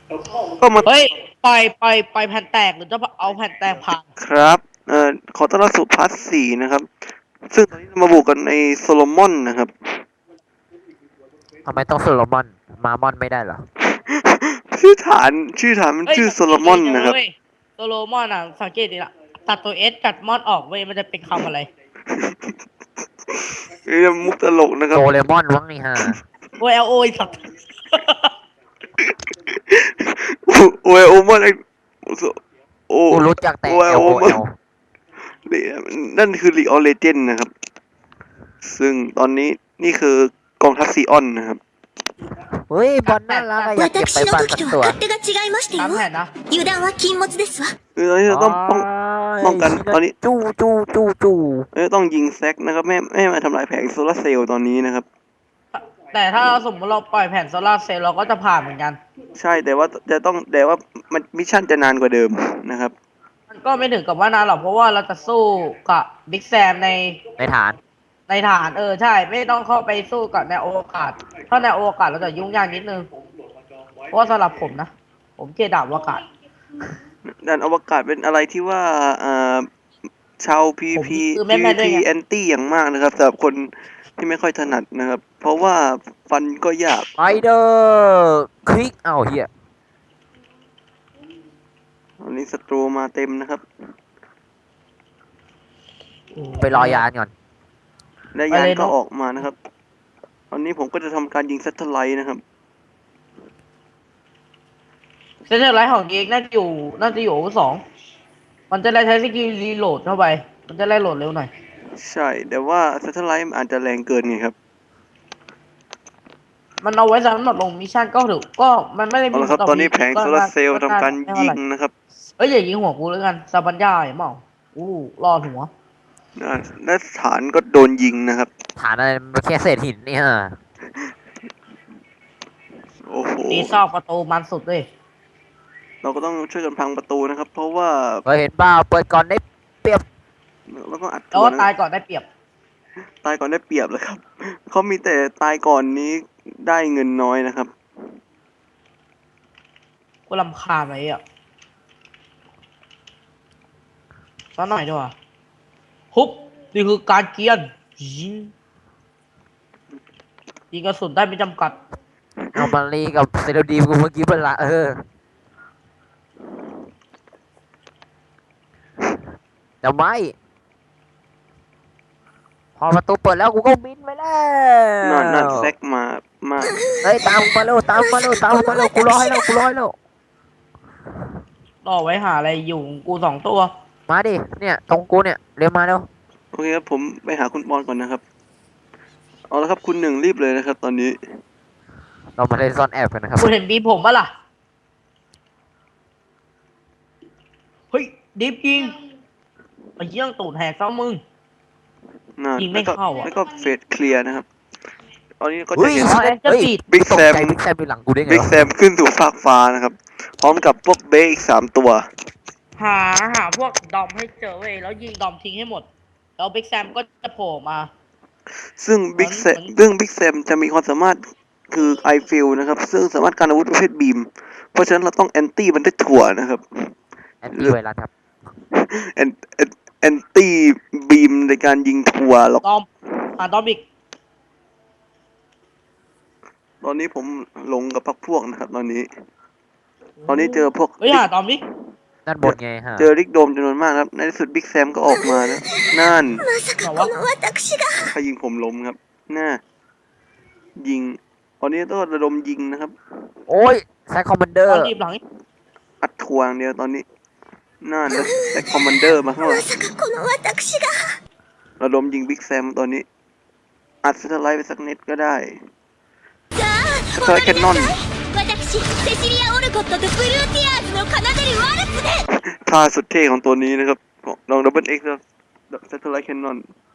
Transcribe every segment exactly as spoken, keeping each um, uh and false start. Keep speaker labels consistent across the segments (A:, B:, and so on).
A: ก็มา
B: เฮ้ยปล่อยปล่อยปล่อยแผ่นแตกหรือจะเอาแผ่นแตกพัง
A: ครับเอ่อขอต้อนรับสู่พาร์ทสี่นะครับซึ่งตอนนี้เรามาบุกกันในโซโลมอนนะครับ
C: ทำไมต้องโซโลมอนมามอนไม่ได้เหรอ
A: ชื่อฐานชื่อฐานมัน
B: เฮ้ย
A: ชื่อโซโล
B: สังเกต
A: มอนนะครับ
B: จังเลยเว้ยโซโลมอนอ่ะสังเกตดิละตัดตัวเอสกัดมอนออกเว้ยมันจะเป็นคำอะไร
A: นี่มุกตลกนะครั
C: โด
A: บ
C: เรมอนวังนี่ฮะ
B: โอเอลโอสัตว์
A: โอเอโอมอนไอโอ
C: กูรู้จักแต่
A: โอเอ
C: L
A: โอ
C: O
A: มอน
C: L
A: นั่นคือลีออเลเจนนะครับ ซึ่งตอนนี้นี่คือกองทัพซีออนนะครับ
C: เฮ้ยบอลน่ารักอะอยากเก็บไป
D: 私の
C: บ้าน
D: 時
C: สัก
D: と
C: ตัว
D: は勝手が違いました
B: ตาม
D: よ
B: แผนนะ
D: 油断は禁物ですわ
A: คือตอนนี้เราต้องป้อง ป้องกันตอนนี้
C: จู้จู้จู้จู้
A: เอ้ยต้องยิงแซกนะครับไม่ไม่ให้มาทำลายแผงโซลาร์เซลล์ตอนนี้นะครับ
B: แต่ถ้าสมมติเราปล่อยแผ่นโซลาร์เซลล์เราก็จะผ่านเหมือนกัน
A: ใช่แต่ว่าจะต้องแต่ว่ามันมิชชั่นจะนานกว่าเดิมนะครับ
B: มันก็ไม่ถึงกับว่านานหรอกเพราะว่าเราจะสู้กับบิ๊กแซมใน
C: ในฐาน
B: ในฐานเออใช่ ไม่ต้องเข้าไปสู้กับในอวกาศถ้าในอวกาศเราจะยุ่งยากนิดนึงเพราะว่าสำหรับผมนะ ผมเกลียดดาบอวกาศ
A: ด่านอวกาศเป็นอะไรที่ว่าเอ่อชาวพี
B: ผม
A: พี
B: คือแม่
A: พี
B: แม่ด้วย
A: พี
B: ไง
A: แอนตี้อย่างมากนะครับสำหรับคนที่ไม่ค่อยถนัดนะครับ เพราะว่าฟันก็ยาก
C: ไปเดอร์คลิกเอาเฮีย
A: ตอนนี้ศัตรูมาเต็มนะครับ
C: ไปรอยานก่อน
A: และยานก็ออกมานะครับ ตอนนี้ผมก็จะทำการยิงแซตเทอร์ไลท์นะครับ
B: เซนเตอร์ไลท์ของเอกน่าจะอยู่น่าจะอยู่สองมันจะได้ใช้สกิลรีโหลดเข้าไป มันจะได้โหลดเร็วหน่อย
A: ใช่ แต่ว่าแซตเทอร์ไลท์มันอาจจะแรงเกินไงครับ
B: มันเอาไว้สำหรับลงมิชชั่นก็ถือก็มันไม่ได้
A: เอา
B: มี
A: ละครับ
B: ต่
A: ตอนนี้
B: มี
A: แผงโซลาร์เซลล์ทำการยิงนะครับ
B: เอ้ยอย่ายิงหัวกูแล้วกันซาบัญญาอย่าเมาอู้รอดหัว
A: อ่าและฐานก็โดนยิงนะครับ
C: ฐานอะไรมันแค่เศษหินเนี่ย
A: โอ้โห
B: ตีซอกประตูมันสุดเลย
A: เราก็ต้องช่วยกันพังประตูนะครับ เพราะว่า
C: เคยเห็นเปล่าเปิดก่อนได้เปรียบ
A: เราก็อัด
B: แล้ว
A: ตัว
B: ก็
A: นะ
B: ตายก่อนได้เปรียบ
A: ตายก่อนได้เปรียบเลยครับ เขามีแต่ตายก่อนนี้ได้เงินน้อยนะครับ
B: กูรำคาญไอ้อ่ะสักหน่อยดีกว่าฮุบนี่คือการเกียนยิงยิงกระสุนได้ไม่จำกัด
C: เอามารีกับเซโลดีมกูเมื่อกี้เป็นละเออเดี๋ยวไม่พอประตูเปิดแล้วกูก็บินไปแล้ว
A: นั่นนั่นแซกมา มา
C: เฮ้ยตามกูมาเร็วตามมาเร็วตามมาเร็วกูรอให้แล้วกูรอให้แล้ว
B: รอไว้หาอะไรอยู่ของกูสองตัว
C: มาดิเนี่ยตรงกูเนี่ยเร็วมาเร็ว
A: โอเคครับผมไปหาคุณบอลก่อนนะครับ เอาละครับคุณหนึ่งรีบเลยนะครับ ตอนนี้
C: เรามาเล่นซ่อนแอบกันนะครับ
B: กูเห็นบีผมปะล่ะ เฮ้ยดิฟยิงไอ้เยี่ยงตูดแหกซะมึง
A: น่า
B: ยิงไม่
A: แล้วก็
B: เข้าอะ
A: แล้วก็เฟสเคลียร์นะครับ ตอนนี้ก็จะ
C: เฮ้ย
A: เห็น
B: อ๋อ
C: เฮ้ย
A: Big
C: ตก
A: Sam
C: ใจบิ๊กแซมอยู่หลังกูได้ไง
A: บิ๊ก
C: วะ
A: แซมขึ้นสู่ฟากฟ้านะครับ พร้อมกับพวกเบย์อีกสามตัว
B: หาหาพวกดอมให้เจอเว้ยแล้วยิงดอมทิ้งให้หมด แล้วบิ๊กแซมก็จะโผล่มา
A: ซึ่งบิ๊กแซม
B: เหมือน
A: ซึ่งบิ๊กแซมจะมีความสามารถคือไอฟิลนะครับ ซึ่งสามารถการอาวุธประเภทบีม เพราะฉะนั้นเราต้องแอนตี้มันด้วยถั่วนะครับ
C: แอนตี้ไวรัสครับ
A: แอนแอนแอนตี้บีมในการยิงถั่วหรอก
B: ดอมหาดอมอีก
A: ตอนนี้ผมหลงกับพักพวกนะครับ ตอนนี้ ตอนนี้เจอพวก
B: เฮ้ยหาดอมดิ
C: ด้านบนไงฮะ
A: เจอริกโดมจำนวนมากครับ ในที่สุดบิ๊กแซมก็ออกมานะ นั่น
D: まさかこの私が
A: ใครยิงผมล้มครับ น่า ยิง ตอนนี้ต้องระดมยิงนะครับ
C: โอ้ยไซคอมมานเดอ
B: ตอ
C: ร์
B: นรีบหลัง
A: อัดทวงเดียวตอนนี้น่าแล้วแต่คอมมานเดอร์มาข้างหลั
D: ま
A: ง
D: さかこの私が
A: ระดมยิงบิ๊กแซมตอนนี้ อัดสเตอร์ไลท์ไปสักนิดก็ได้
D: じゃあ
A: สเตอร์ไลท์แคนนอน
D: 私セシリア・オルコットとブルーティアーズの奏でるワルツで
A: ท่าสุดเท่ของตัวนี้นะครับของลองดับเบิลเอ็กซ์ครับสเตอร์ไลท์แคนนอน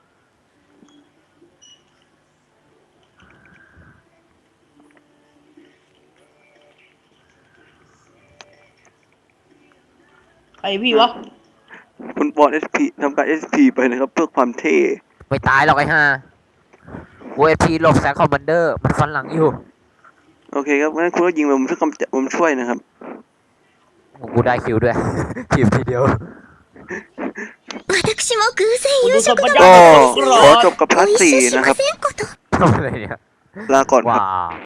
B: ใครพี่วะ
A: คุณบอลเอสพีทำการเอสพีไปนะครับ เพื่อความเท่
C: ไม่ตายหรอกไอ้ห่าเวทีหลบไซคอมมานเดอร์มันฟันหลังอยู่
A: โอเคครับงั้นคุณก็ยิงไปผมช่วยกำจัดผมช่วยนะครับ
C: กูได้คิวด้วย คิวทีเดียว
D: 私も偶然夕食の
A: ก็ขอจบกับพาร์ทสี่นะครับ
D: せんこと
C: ทำอะไรเนี่ย
A: ลาก่อนครับ
C: ว้า